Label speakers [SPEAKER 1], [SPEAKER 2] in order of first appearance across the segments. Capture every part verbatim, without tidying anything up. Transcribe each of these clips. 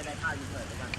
[SPEAKER 1] ได้ข้าวยูเทิร์นด้วยกัน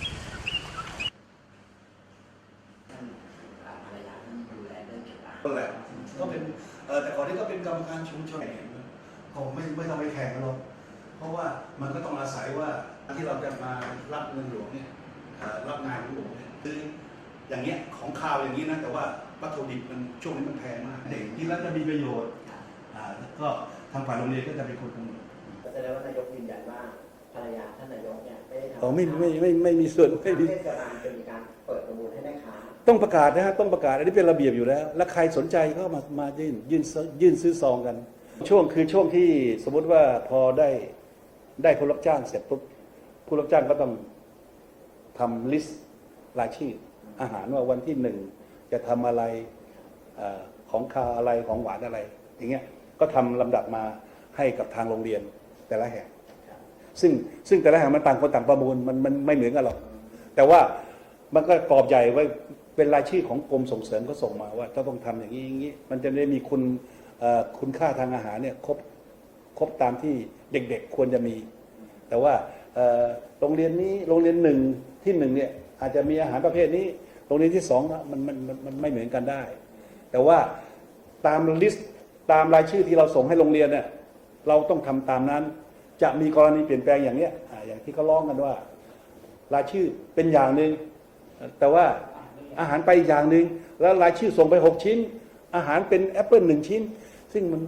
[SPEAKER 2] ก็แหละก็เป็นแต่ก่อนนี้ก็เป็นกรรมการชุมชนคงไม่ไม่ต้องไปแข่งกันหรอกเพราะว่ามันก็ต้องอาศัยว่าที่เราจะมารับเงินหลวงเนี่ยรับงานหลวงเนี่ยคืออย่างเงี้ยของข่าวอย่างนี้นะแต่ว่าวัตถุดิบมันช่วงนี้มันแพงมากเด็กที่แล้วจะมีประโยชน์ก็ทางฝ่ายโรงเรียนก็จะเป็นคนกำหนด
[SPEAKER 1] แสดงว่านายกยืนยันว่าภรรยาท่านนายกเนี่ยไม่ได้ทำ
[SPEAKER 2] อ๋อไม่ไม่ไม่ไม่มีส่วนไม่มี
[SPEAKER 1] เทศบาลจะมีการเปิดประมูลให้แม่ค้า
[SPEAKER 2] ต้องประกาศนะฮะต้องประกาศอันนี้เป็นระเบียบอยู่แล้วแล้วใครสนใจก็มามายื่นยื่นยื่นซื้อซองกันช่วงคือช่วงที่สมมติว่าพอได้ได้ผู้รับจ้างเสร็จปุ๊บผู้รับจ้างก็ต้องทำลิสต์รายชื่ออาหารว่าวันที่หนึ่งจะทำอะไรของคาวอะไรของหวานอะไรอย่างเงี้ยก็ทำลำดับมาให้กับทางโรงเรียนแต่ละแห่งซึ่งซึ่งแต่ละแห่งมันต่างคนต่างประมูลมันมันไม่เหมือนกันหรอกแต่ว่ามันก็กรอบใหญ่ไว้เป็นรายชื่อของกรมส่งเสริมก็ส่งมาว่าต้องทำอย่างนี้อย่างนี้มันจะได้มีคุณคุณค่าทางอาหารเนี่ยครบครบตามที่เด็กๆควรจะมีแต่ว่าโรงเรียนนี้โรงเรียนหนึ่งที่หนึ่งเนี่ยอาจจะมีอาหารประเภทนี้โรงเรียนที่สองมันมันมันไม่เหมือนกันได้แต่ว่าตามลิสต์ตามรายชื่อที่เราส่งให้โรงเรียนเนี่ยเราต้องทำตามนั้นจะมีกรณีเปลี่ยนแปลงอย่างเนี้ยอย่างที่เขาร้องกันว่ารายชื่อเป็นอย่างหนึ่งแต่ว่าอาหารไปอีกอย่างหนึ่งแล้วรายชื่อส่งไปหกชิ้นอาหารเป็นแอปเปิลหนึ่งชิ้นซึ่งมัน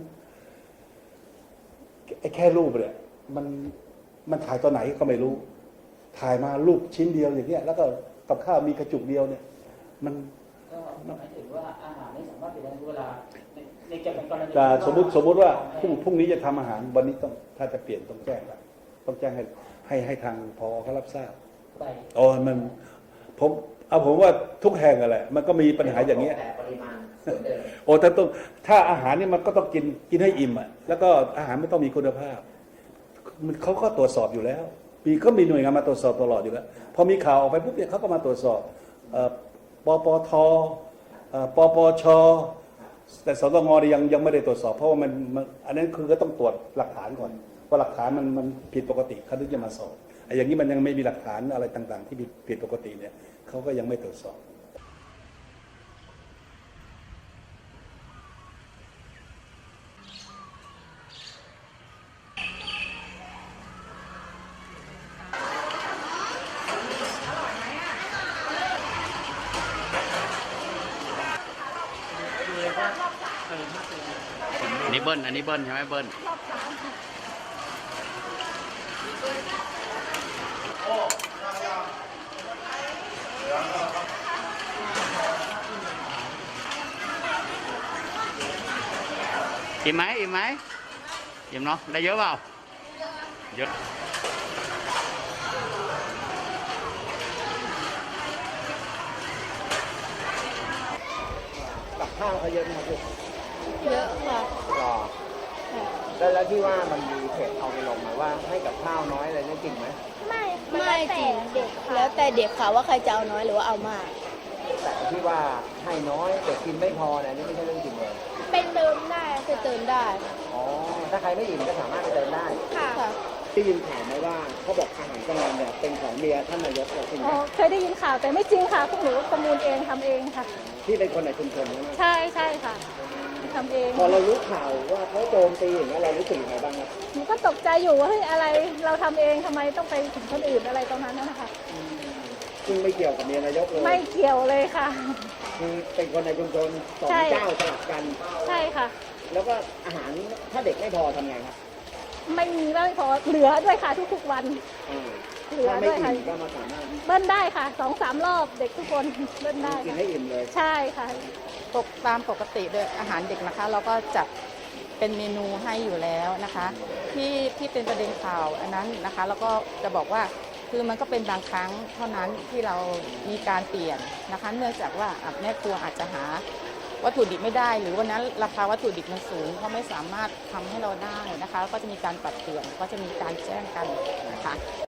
[SPEAKER 2] แค่รูปเนี่ยมันมันถ่ายตอนไหนก็ไม่รู้ถ่ายมารูปชิ้นเดียวอย่างเงี้ยแล้วก็กับข้าวมีกระจุกเดียวเนี่ยมัน
[SPEAKER 3] ก็หมายถึงว่าอาหารไม่สามารถเปลี่ยนได้ทุกเวลาในจะเป็นกรณี
[SPEAKER 2] สมมติสมมติว่าพรุ่งพรุ่งนี้จะทำอาหารวันนี้ต้องถ้าจะเปลี่ยนต้องแจ้งละต้องแจ้งให้ให้ให้ทางพอเขารับทราบอ๋อมันผมเอาผมว่าทุกแห่งอะไรมันก็มีปัญหาอย่างเงี้ย
[SPEAKER 1] แต่ปริมาณ
[SPEAKER 2] โอ้ถ้าต้องถ้าอาหารนี่มันก็ต้องกินกินให้อิ่มอ่ะแล้วก็อาหารไม่ต้องมีคุณภาพมันเขาก็ตรวจสอบอยู่แล้วปีก็มีหน่วยงานมาตรวจสอบตลอดอยู่แล้วพอมีข่าวออกไปปุ๊บเนี่ยเขาก็มาตรวจสอบปปทปปชแต่สตงยังยังไม่ได้ตรวจสอบเพราะว่ามันอันนั้นคือก็ต้องตรวจหลักฐานก่อนว่าหลักฐานมันมันผิดปกติเขาถึงจะมาสอบไอ้อย่างนี้มันยังไม่มีหลักฐานอะไรต่างๆที่ผิดปกติเนี่ยเขาก็ยังไม่ตรวจสอบ
[SPEAKER 4] อันนี้เบิ้ลอันนี้เบิ้ลใช่ไหมเบิ้ลอิ่มไหมอิ่มไหมอิ่มเนาะได้เยอะเปล่าเยอะ
[SPEAKER 1] กับข้าวเขาเยอะไหมครับลูก
[SPEAKER 5] เยอะค่ะ
[SPEAKER 1] รอแล้วแล้วที่ว่ามันมีเพจเอาไปลงมาว่าให้กับข้าวน้อยอะไรนี่จริงไหม
[SPEAKER 5] ไม่ไม่จริงแล้วแต่เด็กค่ะว่าใครจะเอาน้อยหรือว่าเอามาก
[SPEAKER 1] แต่ที่ว่าให้น้อยเด็กกินไม่พอเนี่ยนี่ไม่ใช่เรื่องจริงเลย
[SPEAKER 5] เป็นเติมได้คือเติมได้
[SPEAKER 1] อ๋อถ้าใครไม่อิ่มก็สามารถไปเติมได้
[SPEAKER 5] ค่ะ
[SPEAKER 1] ได้ยินข่าวไหมว่าเขาบอกอาหารกลางวันเนี่ยเป็นของเมียท่านนายกจริงไหม
[SPEAKER 5] เคยได้ยินข่าวแต่ไม่จริงค่ะพวกหนูประมูลเองทำเองค่ะ
[SPEAKER 1] ที่เป็นคนในชุมชนใช่ไหม
[SPEAKER 5] ใช่ใช่ค่ะทำเอง
[SPEAKER 1] พอเรารู้ข่าวว่าเขาโจมตีอย่างนี้เรารู้สึกยังไงบ้างครับ
[SPEAKER 5] หนูก็ตกใจอยู่ว่าเฮ้ยอะไรเราทำเองทำไมต้องไปถึงคนอื่นอะไรตรงนั้นนะคะ
[SPEAKER 1] ซึ่งไม่เกี่ยวกับเมียนายกเลย
[SPEAKER 5] ไม่เกี่ยวเลยค่ะ
[SPEAKER 1] คือเป็นคนในชุมชนสองเจ้าสลับกัน
[SPEAKER 5] ใช่ค่ะ
[SPEAKER 1] แล้วก็อาหารถ้าเด็กไม่พอทำไงครับ
[SPEAKER 5] ไม่มีไม่พอเหลือด้วยค่ะทุกๆวัน
[SPEAKER 1] เหลือด้วยค่ะก็มาสามารถ
[SPEAKER 5] เบิ้ลได้ค่ะสองสามรอบเด็กทุกคนเบิ้ลได้
[SPEAKER 1] กินให้อิ่มเลย
[SPEAKER 5] ใช่ค่ะ
[SPEAKER 6] ปกตามปกติโดยอาหารเด็กนะคะเราก็จัดเป็นเมนูให้อยู่แล้วนะคะที่ที่เป็นประเด็นข่าวอันนั้นนะคะแล้วก็จะบอกว่าคือมันก็เป็นบางครั้งเท่านั้นที่เรามีการเปลี่ยนนะคะเนื่องจากว่าแม่ครัวอาจจะหาวัตถุดิบไม่ได้หรือวันนั้นราคาวัตถุดิบมันสูงเขาไม่สามารถทำให้เราได้นะคะก็จะมีการปรับเปลี่ยนก็จะมีการแจ้งกันนะคะ